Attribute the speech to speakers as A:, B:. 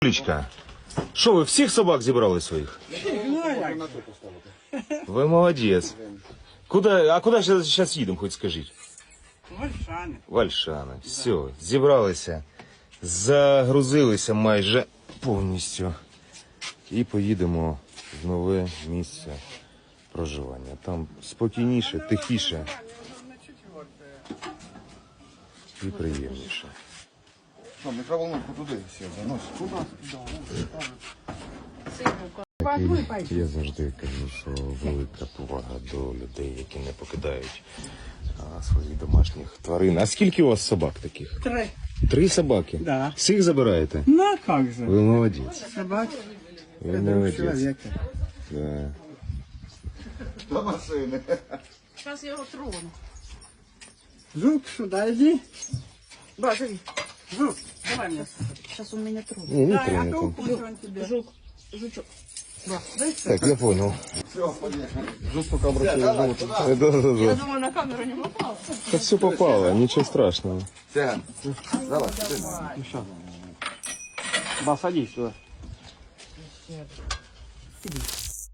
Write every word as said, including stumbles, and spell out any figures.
A: Лічка, що ви всіх собак зібрали своїх? Ви молодець. Куди, а куди ж зараз їдемо, хоч скажіть?
B: Вальшани.
A: Вальшани. Все, зібралися, загрузилися майже повністю і поїдемо в нове місце проживання. Там спокійніше, тихіше і приємніше.
C: Що, мікроволновку туди все заносить. Туди,
A: Такий, я завжди кажу, що велика повага до людей, які не покидають а, своїх домашніх тварин. А скільки у вас собак таких?
B: Три.
A: Три собаки?
B: Да.
A: Всіх забираєте?
B: Ну, а как же?
A: Ви молодець.
B: Собаки.
A: Ви
B: Это друг
A: молодець.
B: человека.
A: Да.
C: до машини.
D: Сейчас я его трону.
B: Жук, сюда иди.
D: Да, живи.
B: Жук, давай мне.
D: Сейчас он меня тронет.
A: Ні, не
B: Да, я
A: тронете.
B: то укушу он тебе.
D: Жук, жучок. Да.
A: Так, я понял.
C: Все, поїхали.
A: Жут пока обращаю живот. Да, да,
D: Я
A: да.
D: думаю, на камеру не попал.
A: Да все попало, ничего страшного.
C: Все, давай, ти.
B: Ба, садись сюда.